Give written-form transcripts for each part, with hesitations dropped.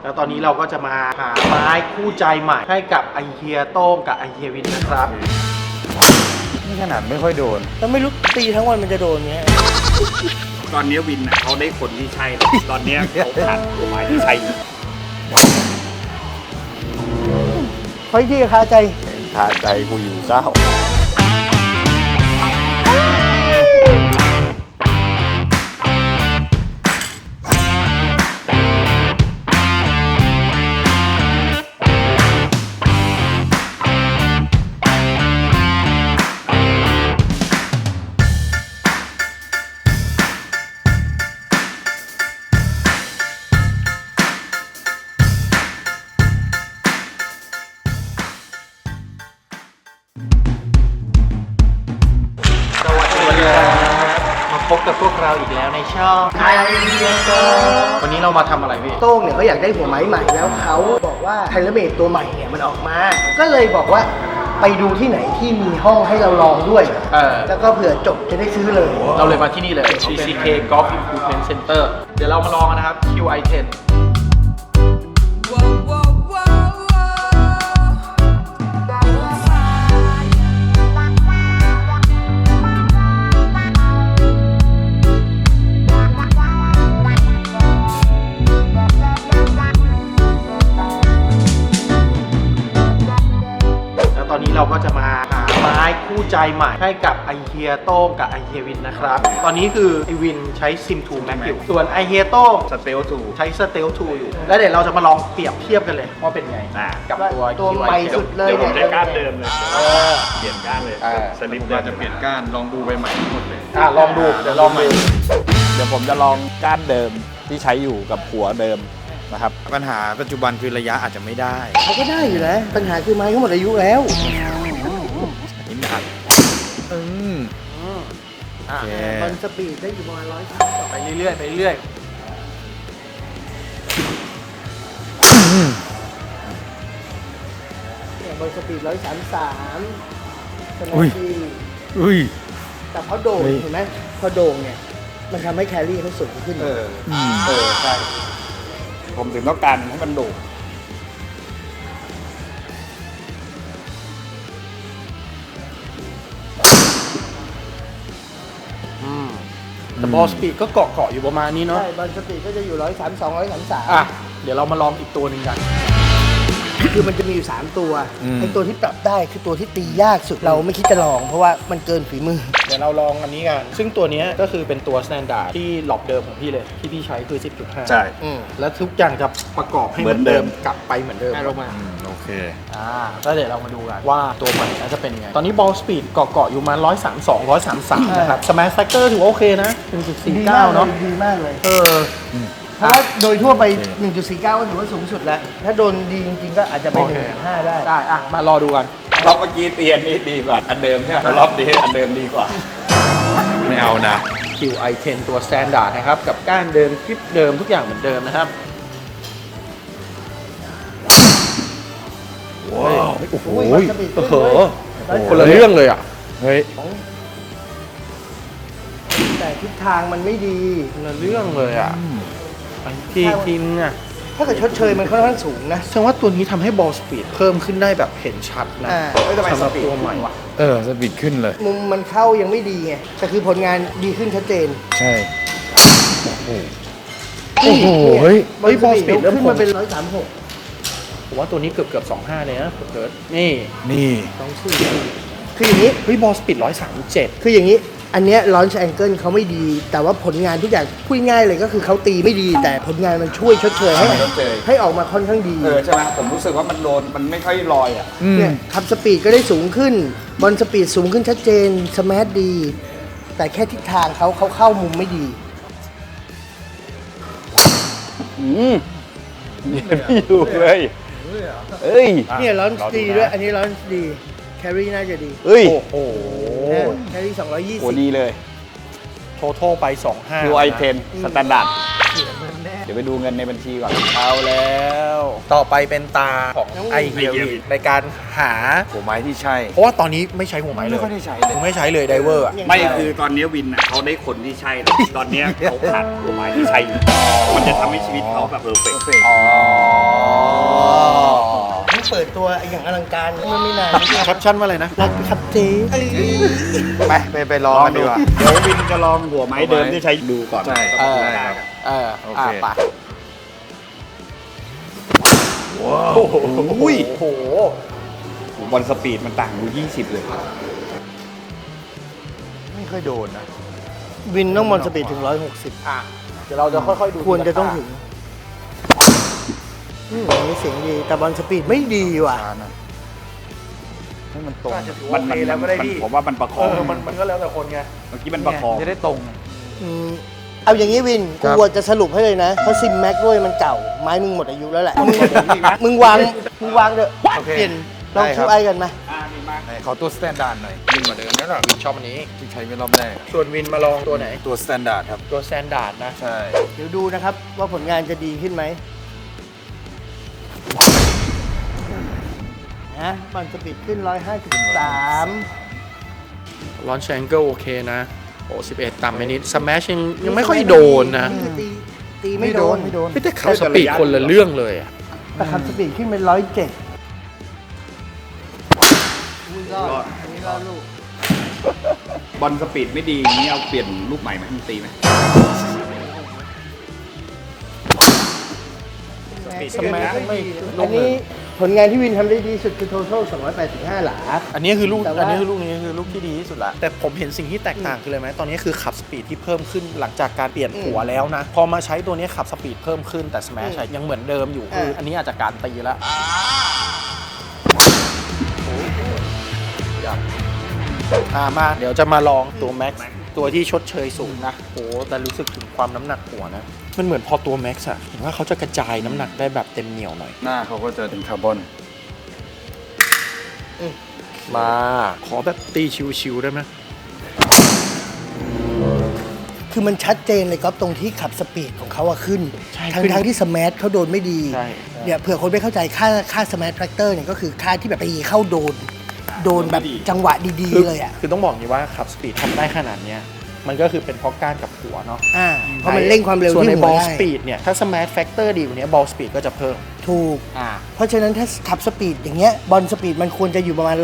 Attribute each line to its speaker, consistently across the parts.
Speaker 1: แล้วตอนนี้เราก็จะมาหาไม้คู่ใจใหม่ให้กับไอเฮียโต้งกับไอเฮียวินนะครับ
Speaker 2: นี่ขนาดไม่ค่อยโดน
Speaker 3: แล้วไม่รู้ตีทั้งวันมันจะโดนเงี้ย
Speaker 4: ตอนนี้วินเขาได้คนที่ใช่ตอนนี้เขาขาดตัวไม้ที่ใช่อยู่
Speaker 3: เฮ้ยที่คาใจ
Speaker 2: คาใจกูอยู่เศร้า
Speaker 1: พบกับพวกเราอีกแล้วในช่องไอเฮียโต้งวันนี้เรามาทำอะไรพี่
Speaker 3: โต้งเนี่ยเขาอยากได้หัวไม้ใหม่แล้วเขาบอกว่าไทเลเมดตัวใหม่เนี่ยมันออกมา ก็เลยบอกว่าไปดูที่ไหนที่มีห้องให้เราลองด้วยแล้วก็เผื่อจบจะได้ซื้อเลย
Speaker 1: เราเลยมาที่นี่เลย CCK Golf Improvement Center เดี๋ยวเรามาลองกันนะครับ QI10ตอนนี้เราก็จะมาหาไม้คู่ใจใหม่ให้กับไอเฮียโต้งกับไอเฮียวินนะครับตอนนี้คือไอวินใช้ซิม2 Max อยู่ส่วนไอเฮียโต้ง
Speaker 4: Stealth 2
Speaker 1: ใช้ Stealth 2อยู่แล้วเดี๋ยวเราจะมาลองเปรียบเทียบกันเลยว่าเป็นไงกับตัว
Speaker 3: ใหม่สุดเลย
Speaker 4: เดี๋ยวผมใช้ก้านเดิมเลยเปลี่ยนก้านเลยสลิปเดิม
Speaker 2: จะเปลี่ยนก้านลองดูใบใหม่หมดเลย
Speaker 1: ลองดูเดี๋ยวลองดู
Speaker 2: เดี๋ยวผมจะลองก้านเดิมที่ใช้อยู่กับหัวเดิมนะครับปัญหาปัจจุบันคือระยะอาจจะไม่ได้
Speaker 3: เขาก็ได้อยู่นะปัญหาคือไม้เขาหมดอายุแล้ว
Speaker 2: นี่หนักโอเค
Speaker 3: บอลสปีดได้อยู่ประมาณ100ต่อ
Speaker 1: ไปเรื่อยๆไปเรื่อย
Speaker 3: บอลสปีด133สมาธิแต่พอโด่งเห็นไหมพอโด่งเนี่ยมันทำให้แครี่เขาสูงขึ้น
Speaker 4: ใช่ผมถึงต้องการให้มันโด่ง
Speaker 1: แต่บอลสปีดก็เกาะอยู่ประมาณนี้เนาะ
Speaker 3: ใช่บอลสปีดก็จะอยู่132 133
Speaker 1: เดี๋ยวเรามาลองอีกตัวหนึ่งกัน
Speaker 3: คือมันจะมีอยู่3ตัวไอ้ตัวที่ปรับได้คือตัวที่ตียากสุดเราไม่คิดจะลองเพราะว่ามันเกินฝีมือ
Speaker 1: เดี๋ยวเราลองอันนี้กันซึ่งตัวนี้ก็คือเป็นตัวสแตนดาร์ดที่หลอกเดิมของพี่เลยที่พี่ใช้คือ 10.5
Speaker 4: ใช่
Speaker 1: แล้วทุกอย่างจะประกอบให้เหมือนเดิมกลับไปเหมือนเดิม
Speaker 3: ลงมา
Speaker 2: โอเค
Speaker 1: แล้วเดี๋ยวเรามาดูกันว่าตัวใหม่จะเป็นยังไงตอนนี้บอลสปีดเกาะอยู่มา132 133นะครับสแมชแฟกเตอร์ถือว่าโอเคนะ 1.49 เนาะ
Speaker 3: ดีมากเลยเพราะว่าโดยทั่วไป 1.49 ก็ถือว่าสูงสุดแล้วถ้าโดนดีจริงๆก็อาจจะไป 1.5 ได้
Speaker 1: มารอดูกัน
Speaker 4: รอบเมื่อกี้เตียนนี่ดีกว่าอันเดิมใช่ไหมรอบนี้อันเดิมดีกว่า
Speaker 2: ไม่เอานะ
Speaker 1: QI10 ตัวสแตนดาร์ดนะครับกับก้านเดิมคลิปเดิมทุกอย่างเหมือนเดิมนะครับ
Speaker 2: ว้าวโอ้โห
Speaker 1: คนละเรื่องเลยอ่ะ
Speaker 2: เฮ้ย
Speaker 3: แต่ทิศทางมันไม่ดี
Speaker 1: คนละเรื่องเลยอ่ะทีมเนี่ย
Speaker 3: ถ้าเกิดชดเชยมันค่อนข้างสูงนะ
Speaker 1: แสดงว่าตัวนี้ทำให้บอลสปีดเพิ่มขึ้นได้แบบเห็นชัดนะสำหรับตัวใหม่
Speaker 2: สปีดขึ้นเลย
Speaker 3: มุมมันเข้ายังไม่ดีไงแต่คือผลงานดีขึ้นชัดเจน
Speaker 2: ใช่
Speaker 1: โอ้โหเฮ้ยบอลสปีดเริ่ม
Speaker 3: ขึ้นมาเป็น136
Speaker 1: ผมว่าตัวนี้เกือบ25เลยนะเกิดนี่
Speaker 3: คืออย่างนี้
Speaker 1: บอลสปีด137
Speaker 3: คืออย่างนี้อันเนี้ยลอนช์แองเกิลเขาไม่ดีแต่ว่าผลงานทุกอย่างพูดง่ายเลยก็คือเขาตีไม่ดีแต่ผลงานมันช่วยชดเชยให้ออกมาค่อนข้างดี
Speaker 4: ใช่ไหมผมรู้สึกว่ามันโดนมันไม่ค่อยลอยอ่ะ
Speaker 3: เนี่ยขับสปีดก็ได้สูงขึ้นบอลสปีดสูงขึ้นชัดเจนสแมทดีแต่แค่ทิศทางเขาเข้ามุมไม่ดี
Speaker 2: ไม่อยู่เลย
Speaker 3: เนี่ยลอนช์ดีด้วยอันนี้ลอนช์ดีแครี่น่าจะดี
Speaker 1: โอ้โห
Speaker 3: แครี่220
Speaker 2: โอ้ดีเลย
Speaker 1: โททอลไป25
Speaker 2: QI10 สแตนดาร์ดเดี๋ยวไปดูเงินในบัญชีก่อน
Speaker 1: เอาแล้วต่อไปเป็นตาของไอเฮียวินในการหา
Speaker 2: หัวไม้ที่ใช่
Speaker 1: เพราะว่าตอนนี้ไม่ใช้หัวไม้เลย
Speaker 2: ไม่ค่อยได้ใช้เลย
Speaker 1: ไม่ใช้เลยไดเวอร์
Speaker 4: ไม่คือตอนนี้วินเขาได้คนที่ใช่ตอนนี้เขาขาดหัวไม้ที่ใช่มันจะทำให้ชีวิตเขาแบบเพอร์เฟกต์
Speaker 3: เปิดตัวอย่างอลังการเมื่อไม่นานนี้
Speaker 1: แคปชั่นว่าอะไรนะ
Speaker 3: รักครับเจ๊
Speaker 2: ไปลองกันดีกว่า
Speaker 4: เดี๋ยววินจะลองหัวไม้เดิมที่ใช้ดูก่อน
Speaker 2: ใช่
Speaker 1: ได้ครับ
Speaker 2: โอเค
Speaker 1: ไป
Speaker 4: โอ้โห
Speaker 1: โอ้โห
Speaker 4: บอลสปีดมันต่างดู20 เลย
Speaker 2: ไม่ค่อยโดนนะ
Speaker 3: วินต้องมอนสปีดถึง 160
Speaker 1: อ่ะเดี๋ยวเราจะค่อยๆดู
Speaker 3: ควรจะต้องถึงอันนี้เสียงดี แต่บอลสปีดไม่ดีว่ะ
Speaker 2: ช้านะให้มันตรง
Speaker 1: อาจจะถือ
Speaker 4: มั
Speaker 1: ว่าน โอเคแล้วก็ได้พี่
Speaker 4: ผมว่ามันประค
Speaker 1: เอ
Speaker 4: อง
Speaker 1: อมันก็แล้วแต่คนไง
Speaker 4: เมื่อกี้มันประคอง
Speaker 2: จะได้ตรง
Speaker 3: อืมเอาอย่างนี้วิน
Speaker 2: ครั
Speaker 3: กู
Speaker 2: บ
Speaker 3: จะสรุปให้เลยนะ เพราะซิมแม็กด้วยมันเก่า ไม้มึงหมดอายุแล้วแหละ มึงวางเถอะ
Speaker 2: โอเค
Speaker 3: เปลี่ยนลอง
Speaker 2: ได้ครั
Speaker 3: คิ
Speaker 2: บ
Speaker 3: วไอกันไหม
Speaker 4: ดีมาก
Speaker 2: ไหนขอตัวสแตนดาร์ดหน่อยยิ่งกว่าเดิมแล้วหรอ
Speaker 1: วินชอบอันนี้
Speaker 2: ที่ใช้ไปรอบแรก
Speaker 1: ส่วนวินมาลองตัวไหน
Speaker 2: ตัวสแตนดาร์ดครับ
Speaker 1: ตัวแซนดาร์ดนะ
Speaker 2: ใช่
Speaker 3: เดี๋ยวดูนะครับว่าผลงานจะดีขึ้นไหมนะบอลสปีดขึ้น 153
Speaker 1: ลอนแชงเกิลโอเคนะโอ้11 ต่ำไปนิดสแมชยังไม่ค่อยโดนนะ
Speaker 3: ตีไม่โดน
Speaker 1: พี่แต่เขาสปีดคนละเรื่องเลยอะ
Speaker 3: แต่ขับสปีดขึ้นเป็น 107อุ้ยรอดอันนี้รอดลูก
Speaker 4: บอลสปีดไม่ดีอย่างนี้เอาเปลี่ยนลูกใหม่ไหมมันตีไหม
Speaker 1: สแมชไม่
Speaker 3: อันนี้ผลงานที่วินทำได้ดีสุดคือ total 285 หลา
Speaker 1: อันนี้คือลูก
Speaker 3: แต่ว่า
Speaker 1: อันนี้คือลูกนี้คือลูกที่ดีที่สุดละแต่ผมเห็นสิ่งที่แตกต่างคืออะไรไหมตอนนี้คือขับสปีดที่เพิ่มขึ้นหลังจากการเปลี่ยนหัวแล้วนะ พอมาใช้ตัวนี้ขับสปีดเพิ่มขึ้นแต่สแมชยังเหมือนเดิมอยู่คืออันนี้อาจจะการตีแล้วมาเดี๋ยวจะมาลองตัวแม็กซ์ตัวที่ชดเชยสูงนะโอ้แต่รู้สึกถึงความน้ำหนักหัวนะมันเหมือนพอตัวแม็กซ์อะเห็นว่าเขาจะกระจายน้ำหนักได้แบบเต็มเหนียวหน่อย
Speaker 2: หน้าเขาก็จะเป็นคาร์บอน
Speaker 1: มาขอแบบตีชิวๆได้ไหม
Speaker 3: คือมันชัดเจนเลยก๊อฟตรงที่ขับสปีดของเขาอะขึ้น
Speaker 1: ขึ้น
Speaker 3: ทั้งที่สแมทเขาโดนไม่ดี
Speaker 1: ใช่
Speaker 3: เนี่ยเผื่อคนไม่เข้าใจค่าสแมทแฟกเตอร์เนี่ยก็คือค่าที่แบบตีเข้าโดนแบบจังหวะดีๆเลยอะ
Speaker 1: คือต้องบอกอย่างนี้ว่าขับสปีดทำได้ขนาดเนี้ยมันก็คือเป็นเพราะก้านกับหัวเนาะ
Speaker 3: เพราะมันเร่งความเร็ว
Speaker 1: ส่วน
Speaker 3: ที่
Speaker 1: ใน
Speaker 3: หั
Speaker 1: บอ
Speaker 3: ว
Speaker 1: ล
Speaker 3: ได้
Speaker 1: สปีดเนี่ยถ้าสมาร์ทแฟกเตอร์ดีกว่านี้บอลสปีดก็จะเพิ่ม
Speaker 3: ถูก เพราะฉะนั้นถ้าขับสปีดอย่างเงี้ยบอลสปีดมันควรจะอยู่ประมาณ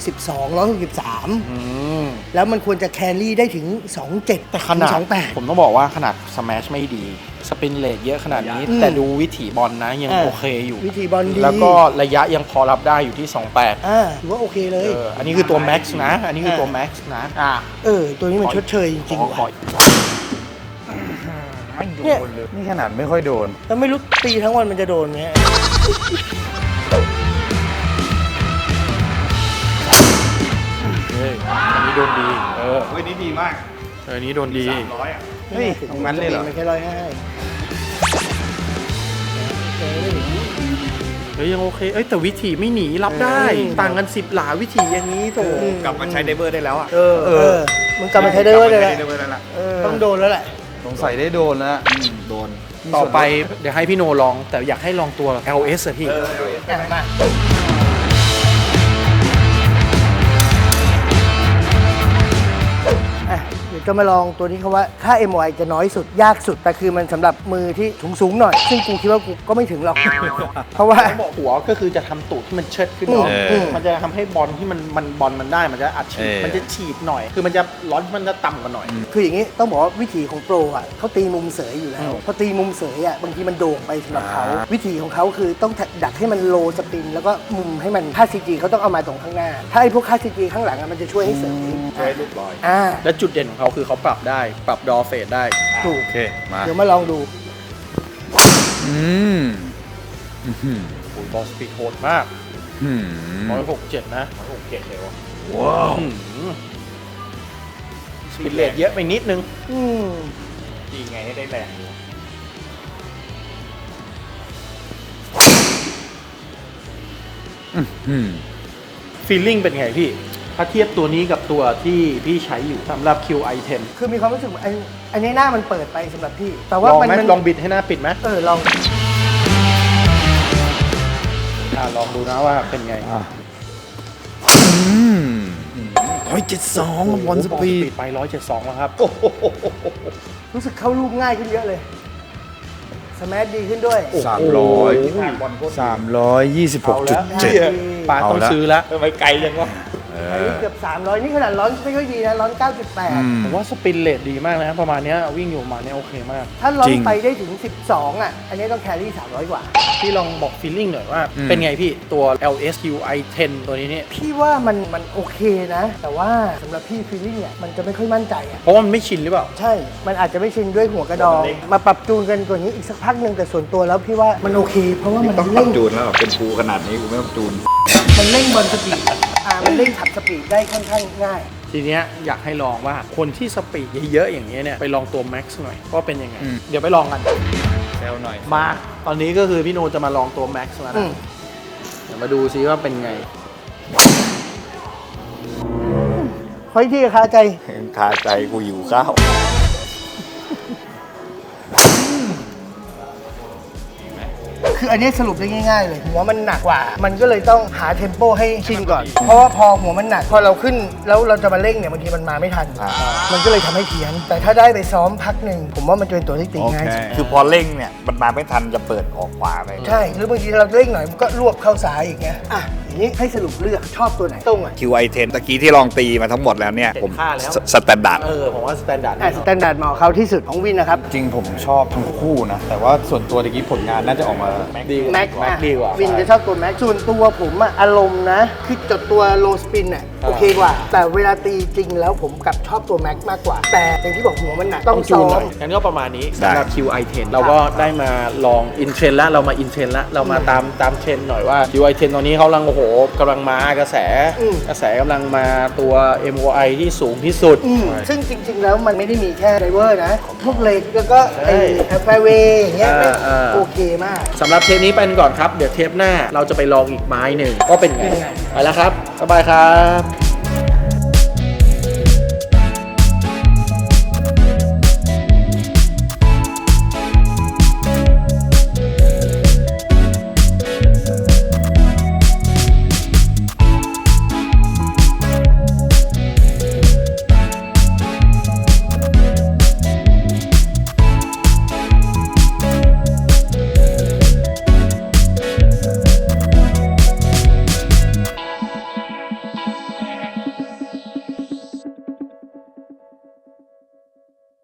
Speaker 3: 162 แล้วมันควรจะแครี่ได้ถึง 27
Speaker 1: แต่ขนาด
Speaker 3: ถึง28
Speaker 1: ผมต้องบอกว่าขนาดสแมชไม่ดี สปินเลทเยอะขนาดนี้ แต่ดูวิถีบอลนะยังโอเคอยู่
Speaker 3: วิธีบอลดี
Speaker 1: แล้วก็ระยะยังพอรับได้อยู่ที่ 28
Speaker 3: ถือว่าโอเคเลย
Speaker 1: อันนี้คือตัวแม็กซ์นะ อันนี้คือตัวแม็กซ์นะ
Speaker 3: ตัวนี้มันชดเชยจริงๆ
Speaker 1: ขอ
Speaker 3: ว่ะ
Speaker 2: ไม่โด
Speaker 3: เนี่ย
Speaker 2: นเลย นี่ขนาดไม่ค่อยโดน
Speaker 3: แล้วไม่รู้ตีทั้งวันมันจะโดนไหม
Speaker 1: เฮ้ยอันนี้โดนดี
Speaker 4: เฮ้ยนี่ดีมาก
Speaker 1: อันนี้โดนดี
Speaker 4: 300อ่ะ
Speaker 2: เฮ้ยตรงนั้นเลยเหรอ
Speaker 3: มันแค่150
Speaker 1: เฮ้ยยังโอเคแต่วิถีไม่หนีรับได้ ต่างกัน10 หลาวิถีอย่างนี้โถ
Speaker 4: กลับมาใช้ไดเวอร์ได้แล้วอ่ะ
Speaker 3: มันกลับมาใช้ได้เลย
Speaker 4: กลับ
Speaker 3: แห
Speaker 4: มา
Speaker 3: ละ
Speaker 4: ใช้ไดเวอร์ได้แล้ว
Speaker 3: ต้องโดนแล้วแหละ
Speaker 2: สงสัยได้โดนแล้วโดน
Speaker 1: ต่อไปเดี๋ยวให้พี่โนลอง แต่อยากให้ลองตัว LS อะพี่
Speaker 3: มาเดี๋ยวจะมาลองตัวนี้เขาว่าค่า MOI จะน้อยสุดยากสุด แต่คือมันสำหรับมือที่สูงๆหน่อย ซึ่งกูคิดว่ากูก็ไม่ถึงหรอก เพราะว่า
Speaker 1: บอกหัวก็คือจะทำตูดที่มันเชิดขึ้นเนาะ มันจะทำให้บอลที่มันบอลมันได้มันจะอัดฉีดมันจะฉีดหน่อย คือมันจะร้อนมันจะต่ำกว่าหน่อย
Speaker 3: คืออย่างนี้ต้องบอกว่าวิธีของโปรอ่ะเขาตีมุมเสยอยู่แล้วพอตีมุมเสยอ่ะบางทีมันโด่งไปสำหรับเขาวิธีของเขาคือต้องดักให้มันโลสปิน แล้วก็มุมให้มันค่า CG เขาต้องเอามาตรงข้างหน้า ถ้าไอ้พวกค่า CG ข้างหลังอะมันจะช่วยให้เสย
Speaker 4: ช่วยลูกลอย
Speaker 1: และจุดเด่นของเขาคือเขาปรับได้ปรับดอเฟดได้
Speaker 3: ถูก
Speaker 2: โอเค มา
Speaker 3: เดี๋ยวมาลองดู
Speaker 1: บอลสปีดโหดมาก167 นะ167เลยวะ
Speaker 2: ว้าว
Speaker 1: สปีดเลทเยอะไปนิดนึง
Speaker 4: ดีไงให้ได้แรง
Speaker 1: ฟีลลิ่งเป็นไงพี่ ถ้าเทียบตัวนี้กับตัวที่พี่ใช้อยู่สำหรับ QI10
Speaker 3: คือมีความรู้สึกว่าอันนี้หน้ามันเปิดไปสำหรับพี่ แต่ว่า
Speaker 1: ลอง
Speaker 3: มัน
Speaker 1: ไหมลองบิดให้หน้าปิดไหม
Speaker 3: ลอง
Speaker 1: ลองดูนะว่าเป็นไง
Speaker 2: 172บอลสปีด
Speaker 1: ไป172แล้วครับ
Speaker 3: รู้สึกเข้ารูปง่ายขึ้นเยอะเลยสแมชดีขึ้นด้วย
Speaker 2: 326.7
Speaker 1: ปาต้องซื้อแล้ว
Speaker 4: ทำไมไกลจังวะ
Speaker 3: อันนี้เกือบ300นี่ขนาดร้อนไม่ค่อยดีนะร้อน 9.8
Speaker 1: ผมว่าสปินเลทดีมากนะประมาณเนี้ยวิ่งอยู่ประมาณเนี้ยโอเคมาก
Speaker 3: ถ้าร้อ
Speaker 2: จริ
Speaker 3: น
Speaker 2: ง
Speaker 3: ไปได้ถึง 12 อ่ะ อันนี้ต้องแครี่ 300 กว่า
Speaker 1: พี่ลองบอกฟีลลิ่งหน่อยว่า เป็นไงพี่ตัว LSQi 10 ตัวนี้เนี่ย
Speaker 3: พี่ว่ามันโอเคนะ แต่ว่าสำหรับพี่ฟีลลิ่งเนี่ยมันจะไม่ค่อยมั่นใจอ่ะ
Speaker 1: เพราะว่ามันไม่ชินหรือเปล่า
Speaker 3: ใช่ มันอาจจะไม่ชินด้วยหัวกระดอง มาปรับจูนกันตัวนี้อีกสักพักหนึ่งแต่ส่วนตัวแล้วพี่ว่ามันโอเค เพราะว่ามัน
Speaker 2: ต้องปรั
Speaker 3: เร่
Speaker 2: บ
Speaker 3: ง
Speaker 2: จูนแล้วเป็นภูขนาดนี้กูไม่ต้องจูน
Speaker 3: มันเร่งบอลสปีดมันเร่งขับสปีดได้ค่อนข้างง่าย
Speaker 1: ทีเนี้ยอยากให้ลองว่าคนที่สปีดเยอะๆอย่างเงี้ยเนี่ยไปลองตัว Max หน่อยว่าเป็นยังไง เดี๋ยวไปลองกัน
Speaker 2: แซวหน่อย
Speaker 1: มา ตอนนี้ก็คือพี่โนจะมาลองตัว Max แล้ว
Speaker 3: อื
Speaker 1: นะ
Speaker 3: ม
Speaker 1: เดี๋ยวมาดูซิว่าเป็นไง
Speaker 3: ขออีกทีคาใจ
Speaker 2: คาใจกูหิวข้าว
Speaker 3: คืออันนี้สรุปได้ง่ายๆเลยหัวมันหนักกว่า มันก็เลยต้องหาเทมโปให้ชินก่อน เพราะว่าพอหัวมันหนัก พอเราขึ้นแล้วเราจะมาเร่งเนี่ยบางทีมันมาไม่ทัน มันก็เลยทำให้เพี้ยน แต่ถ้าได้ไปซ้อมพักหนึ่งผมว่ามันจะเป็นตัวที่ตีง่ายสุด
Speaker 2: คือพอเร่งเนี่ย มันมาไม่ทันจะเปิดออกขวาไป
Speaker 3: ใช่ หรือบางทีเราเร่งหน่อยมันก็รวบเข้าซ้ายอย่างเงี้ยอ่ะอย่างนี้ให้สรุปเลือกชอบตัวไหนตรงอ่ะ
Speaker 2: QI10 ตะกี้ที่ลองตีมาทั้งหมดแล้วเนี่ย ผม
Speaker 1: เห็นค่าแล้ว
Speaker 2: สแตนดาร์ด
Speaker 1: ผมว่าสแตนดาร์ด
Speaker 3: สแตนดาร์ดเหมาะเขาที่สุดของวินนะครับ
Speaker 2: จริงผมชอบทั้งคู่นะ แต่ว่าส่วนตัวตะกี้ผลงานน่าจะออกมา
Speaker 1: ดีกว่า
Speaker 3: แม็ก
Speaker 1: Max ดีกว่า
Speaker 3: วินจะชอบตัวแม็กส่วนตัวผมอะอารมณ์นะคือจดตัวโลสปินอะโอเคกว่า แต่เวลาตีจริงแล้วผมกลับชอบตัวแม็กมากกว่า แต่อย่างที่บอกหัวมันหนักต้อง
Speaker 1: จู
Speaker 3: ซ้
Speaker 1: น
Speaker 3: อ
Speaker 1: หน่
Speaker 3: ม
Speaker 1: อยงั้นก็ประมาณนี้
Speaker 2: ได้
Speaker 1: สำหรับ QI10 เราก็ได้มาลองอินเทรนแล้วเรามาอินเทรนแล้วเรามาตามเทรนหน่อยว่า QI10 ตอนนี้เขากำลังโอ้โหกำลังมากระแสกำลังมาตัว MOI ที่สูงที่สุด
Speaker 3: ซึ่งจริง ๆ แล้วมันไม่ได้มีแค่ไดเวอร์นะ พวกเหล็กแล้วก็ไอ้แฟร์เวย์อย่างเงี้ย
Speaker 1: อ่า
Speaker 3: โอเคมาก
Speaker 1: สำหรับเทปนี้ไปก่อนครับ เดี๋ยวเทปหน้าเราจะไปลองอีกไม้หนึ่งก็เป็นไง
Speaker 3: เป็นไง
Speaker 1: ไปแล้วครับ สบายครับ